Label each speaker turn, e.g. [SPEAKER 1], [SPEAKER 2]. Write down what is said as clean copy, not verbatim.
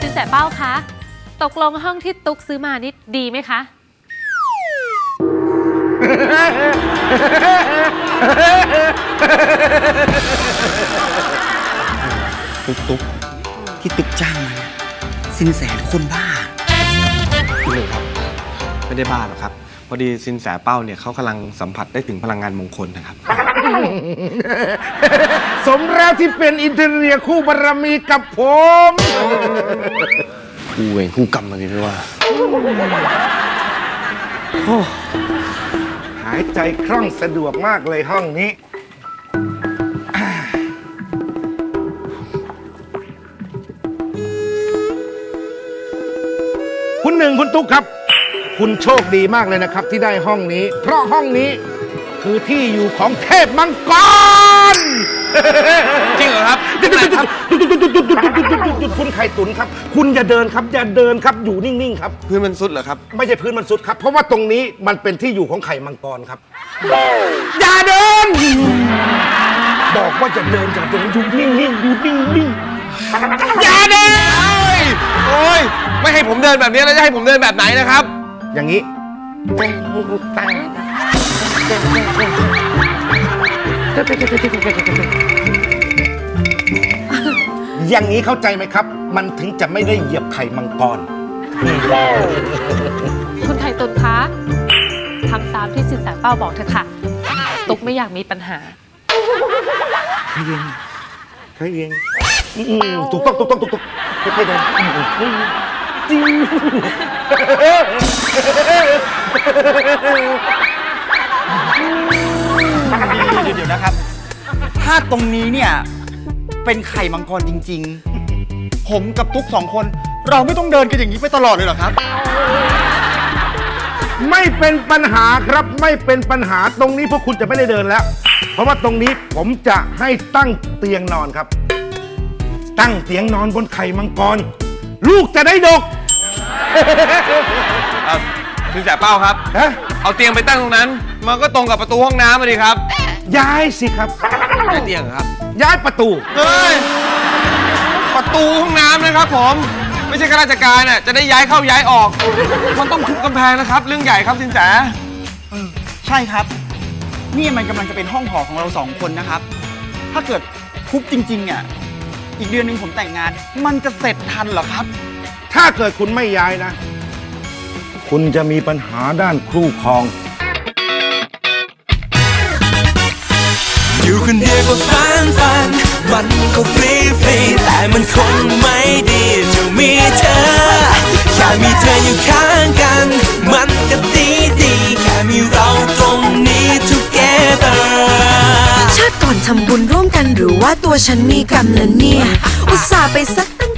[SPEAKER 1] นแสเป้าคะตกลงห้องที่ตุ๊กซื้อมานี่ดีไหมคะ
[SPEAKER 2] ตุ๊กที่ตุ๊กจ้างมาเนี่ยสินแสทุกคนบ้า
[SPEAKER 3] พี่หนึ่งครับไม่ได้บ้าหรอกครับพอดีสินแสเป้าเนี่ยเขากำลังสัมผัสได้ถึงพลังงานมงคลนะครับ
[SPEAKER 4] สมแล้วที่เป็นอินเทเรียคู่บารมีกับผม
[SPEAKER 3] คู่เวรคู่กรรมอะไรไม่ว่า
[SPEAKER 4] หายใจคล่องสะดวกมากเลยห้องนี้ คุณหนึ่งคุณตุ๊กครับ คุณโชคดีมากเลยนะครับที่ได้ห้องนี้ เพราะห้องนี้คือที่อยู่ของเทพมังกร
[SPEAKER 3] จริงเหรอครับ
[SPEAKER 4] หยุดคุณไข่ตุ๋นครับ คุณอย่าเดินครับอย่าเดินครับอยู่นิ่งๆครับ
[SPEAKER 3] พื้นมันซุดเหรอครับ
[SPEAKER 4] ไม่ใช่พื้นมันสุดครับ เพราะว่าตรงนี้มันเป็นที่อยู่ของไข่มังกรครับ อย่าเดิน บอกว่าจะเดินอย่าเดินอยู่นิ่งๆอยู่นิ่งๆอย่าเดิน
[SPEAKER 3] โอ้ยไม่ให้ผมเดินแบบนี้แล้วจะให้ผมเดินแบบไหนนะครับ
[SPEAKER 4] อย่างนี้อย่างนี้เข้าใจไหมครับ มันถึงจะไม่ได้เหยียบไข่มังกร
[SPEAKER 1] คุณไข่ตุนคะทำตามที่สินแสเป้าบอกเถอะค่ะตุ๊กไม่อยากมีปัญหา
[SPEAKER 4] ใครเองถูกต้องค่อยๆเดินจริง
[SPEAKER 2] เดี๋ยวนะครับ ถ้าตรงนี้เนี่ยเป็นไข่มังกรจริงๆผมกับตุ๊ก2 คนเราไม่ต้องเดินกันอย่างนี้ไปตลอดเลยเหรอครับ
[SPEAKER 4] ไม่เป็นปัญหาครับไม่เป็นปัญหาตรงนี้พวกคุณจะไม่ได้เดินแล้ว เพราะว่าตรงนี้ผมจะให้ตั้งเตียงนอนครับ ตั้งเตียงนอนบนไข่มังกรลูกจะได้ดก
[SPEAKER 3] สินแสเป้าครับ
[SPEAKER 4] ฮะ
[SPEAKER 3] เอาเตียงไปตั้งตรงนั้น มันก็ตรงกับประตูห้องน้ำมาดิครับ
[SPEAKER 4] ย้ายสิครับ
[SPEAKER 3] ย้ายเตียงเหรอครับ
[SPEAKER 4] ย้ายประตู
[SPEAKER 3] เฮ้ย ประตูห้องน้ำนะครับผม ไม่ใช่ข้าราชการน่ะจะได้ย้ายเข้าย้ายออก มันต้องทุบกำแพงนะครับ เรื่องใหญ่ครับสินแส
[SPEAKER 2] ใช่ครับนี่มันกำลังจะเป็นห้องหอของเรา2 คนนะครับถ้าเกิดทุบจริงๆเนี่ยอีกเดือนหนึ่งผมแต่งงานมันจะเสร็จทันเหรอครับ
[SPEAKER 4] ถ้าเกิดคุณไม่ย้ายนะ คุณจะมีปัญหาด้านคู่ครอง
[SPEAKER 5] อยู่คนเดียวก็ฝันมันก็ฟรีแต่มันคงไม่ดีจะมีเธอแค่มีเธออยู่ข้างกันมันก็ดีแค่มีเราตรงนี้ together
[SPEAKER 6] ชาติก่อนทำบุญร่วมกันหรือว่าตัวฉันมีกรรมแล้วเนี่ยอุตส่าห์ไปซักตั้ง